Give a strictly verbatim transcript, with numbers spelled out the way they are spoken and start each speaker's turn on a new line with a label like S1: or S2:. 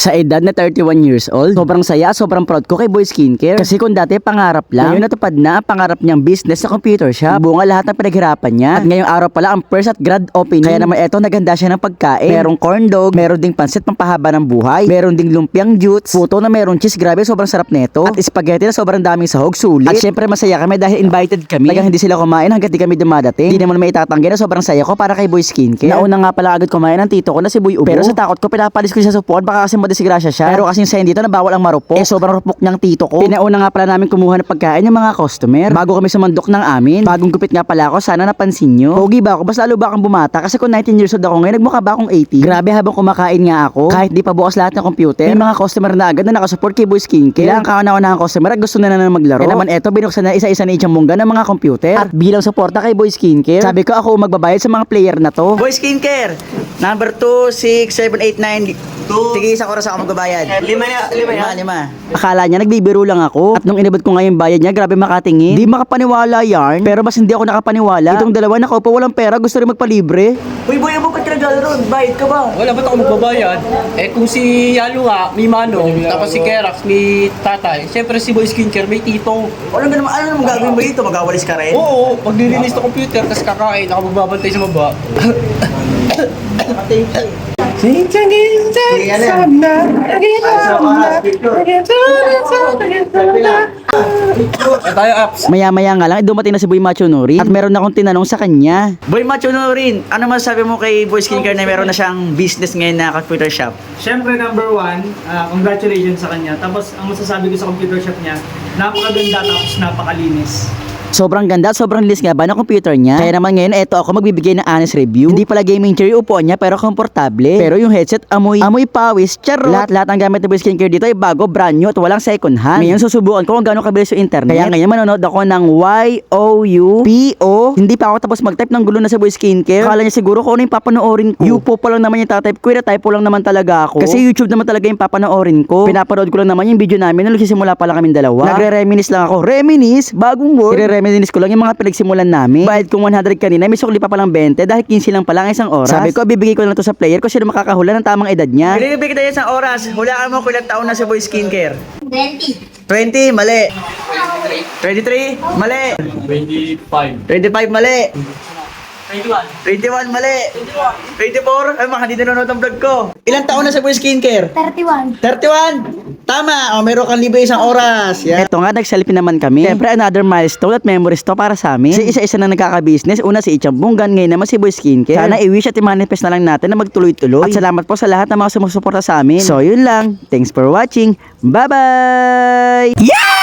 S1: Sa edad na thirty-one years old, sobrang saya, sobrang proud ko kay Boy Skincare. Kasi kung dati pangarap lang, ngayon natupad na ang pangarap niyang business sa computer shop. Bunga lahat ng pinaghirapan niya. At ngayong araw pala ang first at grand opening. Kaya naman eto, naganda siya ng pagkain. Merong corn dog, meron ding pansit pampahaba ng buhay, meron ding lumpiang jutes, puto na merong cheese, grabe sobrang sarap nito. At spaghetti na sobrang daming sahog, sulit. At syempre masaya kami dahil invited kami. Talagang hindi sila kumain hanggat di kami dumadating. Hindi naman may itatanggi na sobrang saya ko para kay Boy Skincare. Nauna nga pala agad kumain ng tito ko na si Boy Ubo. Pero sa takot ko pinapalis ko siya sa upuan, baka kasi madisgrasya siya. Pero kasing sa dito na bawal ang marupok. Eh sobrang rupok niyang tito ko. Pinauna nga pala namin kumuha ng pagkain ng mga customer bago kami sumandok ng amin. Bagong gupit nga pala ako, sana napansin nyo. Pogi ba ako? Basta lalo ba akong bumata? Kasi kung nineteen years old ako ngayon, nagmukha ba akong eighteen? Grabe, habang kumakain nga ako, kahit di pa bukas lahat ng computer, may mga customer na agad na nakasupport kay Boy Skincare. Kailangan kauna-una ng customer at gusto na na maglaro. Kaya naman eto, binuksan na isa-isa ni Ichang Mungga ng mga computer. At bilang suporta kay Boy Skincare, sabi ko ako magbabayad sa mga player na to. Boy Skincare, number two, six, seven, eight, nine, two. Sige, isang oras ako magbabayad.
S2: Lima ya, lima ya.
S1: Lima, lima. Akala niya nagbibiro lang ako. At nung inabot ko nga yung bayad niya, grabe makatingin. Di makapaniwala yarn. Pero mas hindi ako nakapaniwala. Itong dalawa nakaupo walang pera, gusto rin magpalibre.
S2: Uy, boy, mo ba't ka nag-aaral ron? Bayad ka ba?
S3: Wala, ba't ako magbabayad? Eh kung si Yalo nga, may Manong, tapos si Kerax, may tatay. Siyempre si Boy Skincare, may tito.
S2: Alam mo naman, ano naman gagawin mo dito? Mag-awalis ka rin?
S3: Oo, maglilinis ng computer, tapos kakain, ako magbabantay sa baba. Tayo apps.
S1: Maya-maya nga lang, eh, dumating na si Boy Machonori. At meron akong tinanong sa kanya.
S2: Boy Machonori, ano masasabi mo kay Boy Skincare na meron na siyang business ngayon na computer shop?
S4: Siyempre, number one, ah, congratulations sa kanya. Tapos, ang masasabi ko sa computer shop niya, napakaganda tapos napakalinis.
S1: Sobrang ganda at sobrang linis nga ba ng computer niya. Kaya naman ngayon, eto ako magbibigay ng honest review. Hindi pala gaming chair yung upuan niya, pero komportable. Pero yung headset, amoy, amoy pawis, charot. Lahat-lahat ang gamit ng Boy Skincare dito ay bago, brand new at walang second hand. Ngayon, susubukan ko kung gaano kabilis yung internet. Kaya ngayon, manonood ako ng Y O U P O. Hindi pa ako tapos mag-type ng gulo na sa Boy Skincare. Akala niya siguro kung ano yung papanoorin ko. Yupo pa lang naman yung tatype ko, typo lang naman talaga ako. Kasi YouTube naman talaga yung papanoorin ko. Pinapanood ko lang naman yung video namin nung nagsisimula pa lang kaming dalawa. Nagre-reminis lang ako. Reminis? Bagong word? Nagre-reminis ko lang yung mga pinagsimulan namin. Bayad ko one hundred kanina, may sukli pa palang twenty dahil fifteen lang pala ang isang oras. Sabi ko, bibigay ko lang to sa player ko sino makakahula ng tamang edad niya.
S2: Binibigay kita yan sa oras. Hulaan mo kung ilang taon na si Boy Skincare.
S5: twenty.
S2: twenty, mali. twenty-three, mali.
S3: twenty-five.
S2: twenty-five, mali.
S3: twenty-one.
S2: twenty-one, mali. twenty-four, ay mga hindi nanonood ang vlog ko. Ilang taon na si Boy Skincare?
S5: thirty-one.
S2: thirty-one. Tama, o meron kang libre isang oras. Yan.
S1: Eto nga, nag-selfie naman kami. Siyempre, another milestone at memories to para sa amin. Kasi isa-isa na nagkaka-business. Una si Ichang Bunggan, ngayon naman si Boy Skincare. Sana i-wish at i-manifest na lang natin na magtuloy-tuloy. At salamat po sa lahat ng mga sumusuporta sa amin. So, yun lang. Thanks for watching. Bye-bye! Yeah!